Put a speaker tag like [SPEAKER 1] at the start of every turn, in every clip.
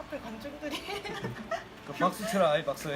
[SPEAKER 1] 앞에 관중들이.
[SPEAKER 2] 박수 쳐라, 아이 박수.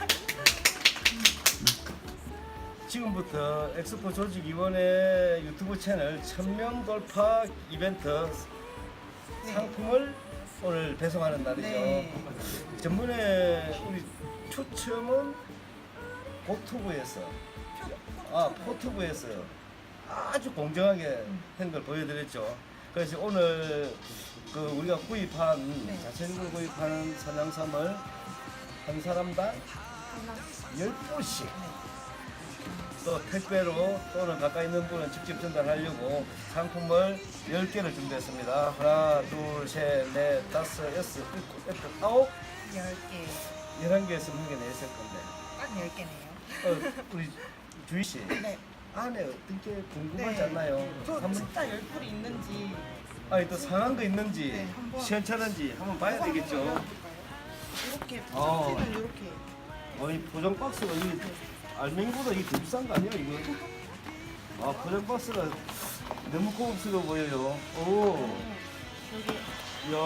[SPEAKER 2] 지금부터 엑스포 조직위원회 유튜브 채널 1000명 돌파 이벤트 상품을 오늘 배송하는 날이죠.
[SPEAKER 1] 네.
[SPEAKER 2] 전번에 우리 초점은 고투브에서, 포투브에서 아주 공정하게 한 걸 보여드렸죠. 그래서 오늘 그 우리가 구입한 자체적으로 구입하는 산양삼을 한 사람당 10분씩 또 택배로 또는 가까이 있는 분은 직접 전달하려고 상품을 10개를 준비했습니다. 하나, 둘, 셋, 넷, 다섯, 여섯, 일곱, 여덟, 아홉,
[SPEAKER 1] 10개.
[SPEAKER 2] 11개에서 문게 냈을 건데.
[SPEAKER 1] 딱 10개네요.
[SPEAKER 2] 우리 주희 씨.
[SPEAKER 1] 네.
[SPEAKER 2] 안에 어떤 게 궁금하지 않나요?
[SPEAKER 1] 저
[SPEAKER 2] 한번,
[SPEAKER 1] 진짜 열풀이 있는지.
[SPEAKER 2] 아니 또 상한 거 있는지
[SPEAKER 1] 네, 한번.
[SPEAKER 2] 시원찮은지 한번 봐야 되겠죠.
[SPEAKER 1] 이렇게
[SPEAKER 2] 어.
[SPEAKER 1] 포장지는 이렇게.
[SPEAKER 2] 이 포장 박스가 이 알맹이보다 이게 더 비싼 거 아니야 이거? 포장 박스가 너무 고급스러워 보여요. 오,
[SPEAKER 1] 여기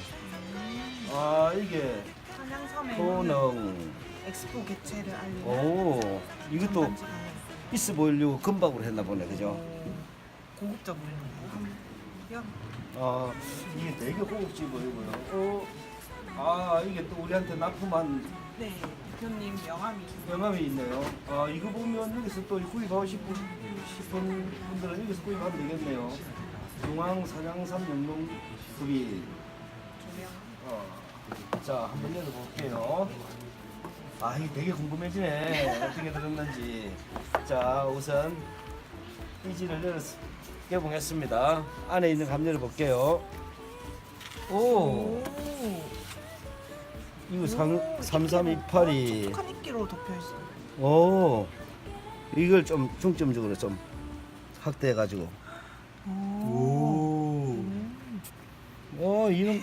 [SPEAKER 2] 야, 이게
[SPEAKER 1] 한양섬의
[SPEAKER 2] 효능.
[SPEAKER 1] 엑스포 개최를 알리는
[SPEAKER 2] 오, 이것도
[SPEAKER 1] 전단지가
[SPEAKER 2] 있어 보이려고 금박으로 했나 보네, 그죠?
[SPEAKER 1] 고급져 보이네요.
[SPEAKER 2] 이게 되게 고급지 보이고요. 이게 또 우리한테 납품한
[SPEAKER 1] 네, 대표님 명함이.
[SPEAKER 2] 영감이 있네요. 이거 보면 여기서 또 구입하고 싶은 분들은 여기서 구입하면 되겠네요. 중앙 산양삼 영농급이. 자, 한번 열어볼게요. 이게 되게 궁금해지네. 어떻게 들었는지. 자, 우선 이지를 개봉했습니다. 안에 있는 감 열어볼게요. 오, 이거 3328이.
[SPEAKER 1] 촉촉한 이끼로 덮여 있어요.
[SPEAKER 2] 오, 이걸 좀 중점적으로 좀 확대해가지고. 오, 이런.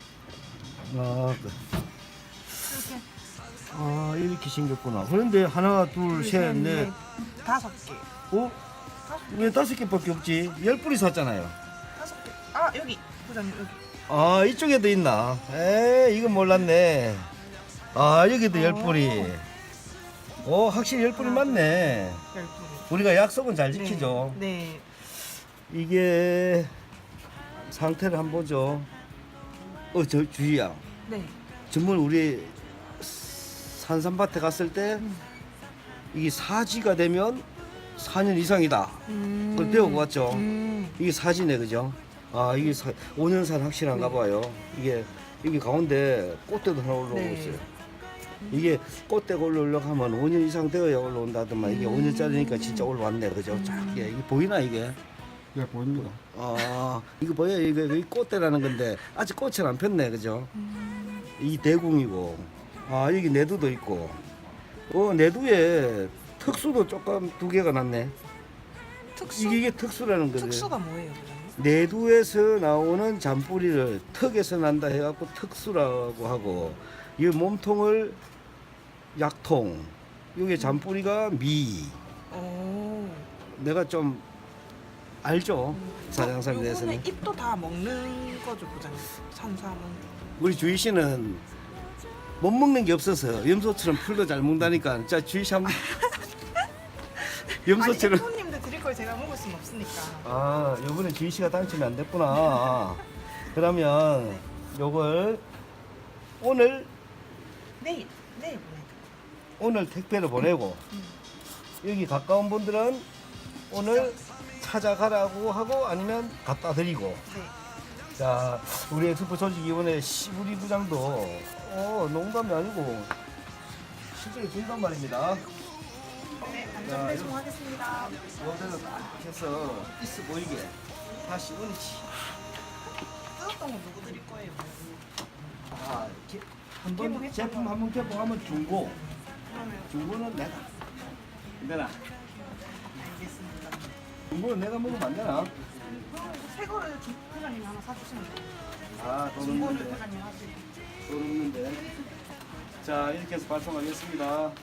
[SPEAKER 2] 이렇게 생겼구나. 그런데 하나, 둘, 셋, 넷,
[SPEAKER 1] 5개.
[SPEAKER 2] 왜 5개밖에 없지? 10뿌리 샀잖아요.
[SPEAKER 1] 5개. 여기 부장님 여기.
[SPEAKER 2] 이쪽에도 있나? 이건 몰랐네. 여기도 10뿌리. 확실히 10뿌리 맞네.
[SPEAKER 1] 10개.
[SPEAKER 2] 우리가 약속은 잘 지키죠.
[SPEAKER 1] 네.
[SPEAKER 2] 이게 상태를 한번 보죠. 주희야.
[SPEAKER 1] 네.
[SPEAKER 2] 전번 우리 산삼밭에 갔을 때 이게 사지가 되면 4년 이상이다. 그걸 배우고 왔죠. 이게 사지네, 그죠? 이게 5년산 확실한가 봐요. 이게 여기 가운데 꽃대도 하나 올라오고 있어요. 이게 꽃대가 올라오려고 하면 5년 이상 되어야 올라온다더만 이게 5년짜리니까 진짜 올라왔네, 그죠? 이게 보이나 이게?
[SPEAKER 3] 네, 보입니다.
[SPEAKER 2] 이거 보여요? 이거 꽃대라는 건데 아직 꽃은 안 폈네, 그죠? 이 대궁이고, 여기 내두도 있고, 내두에 특수도 조금 2개가 났네.
[SPEAKER 1] 특수?
[SPEAKER 2] 이게 특수라는 거죠.
[SPEAKER 1] 특수가 뭐예요, 부장님?
[SPEAKER 2] 내두에서 나오는 잔뿌리를 턱에서 난다 해갖고 특수라고 하고, 이 몸통을 약통, 여기 잔뿌리가 미. 내가 좀 알죠? 산양삼에 대해서는.
[SPEAKER 1] 요거는 잎도 다 먹는 거죠, 부장님? 산삼은.
[SPEAKER 2] 우리 주희 씨는 못 먹는 게 없어서 염소처럼 풀도 잘 먹다니까. 자, 주희 씨 한번. 염소처럼.
[SPEAKER 1] 아니, 손님들 드릴 걸 제가 먹을 수는 없으니까.
[SPEAKER 2] 요번에 주희 씨가 당첨이 안 됐구나. 그러면 요걸 오늘
[SPEAKER 1] 내일 보내요.
[SPEAKER 2] 오늘 택배를 보내고 여기 가까운 분들은 오늘 찾아가라고 하고 아니면 갖다 드리고.
[SPEAKER 1] 네.
[SPEAKER 2] 자, 우리 엑스포 조직위원회 우리 부장도 농담이 아니고 실제로 준단 말입니다.
[SPEAKER 1] 네, 안전 배송하겠습니다.
[SPEAKER 2] 모델을 딱 해서 있어 보이게 다시 얹지.
[SPEAKER 1] 뜯었던 거 누구 드릴 거예요?
[SPEAKER 2] 한번 제품 한번 개봉하면 중고.
[SPEAKER 1] 그러면
[SPEAKER 2] 중고는 내가. 내가.
[SPEAKER 1] 알겠습니다.
[SPEAKER 2] 중고는 내가 먹으면 안 되나?
[SPEAKER 1] 그럼 새 거를 부장님이 하나 사주시면 돼요.
[SPEAKER 2] 돈
[SPEAKER 1] 중고는
[SPEAKER 2] 없는데.
[SPEAKER 1] 부장님 하시고.
[SPEAKER 2] 돈 없는데. 자, 이렇게 해서 발송하겠습니다.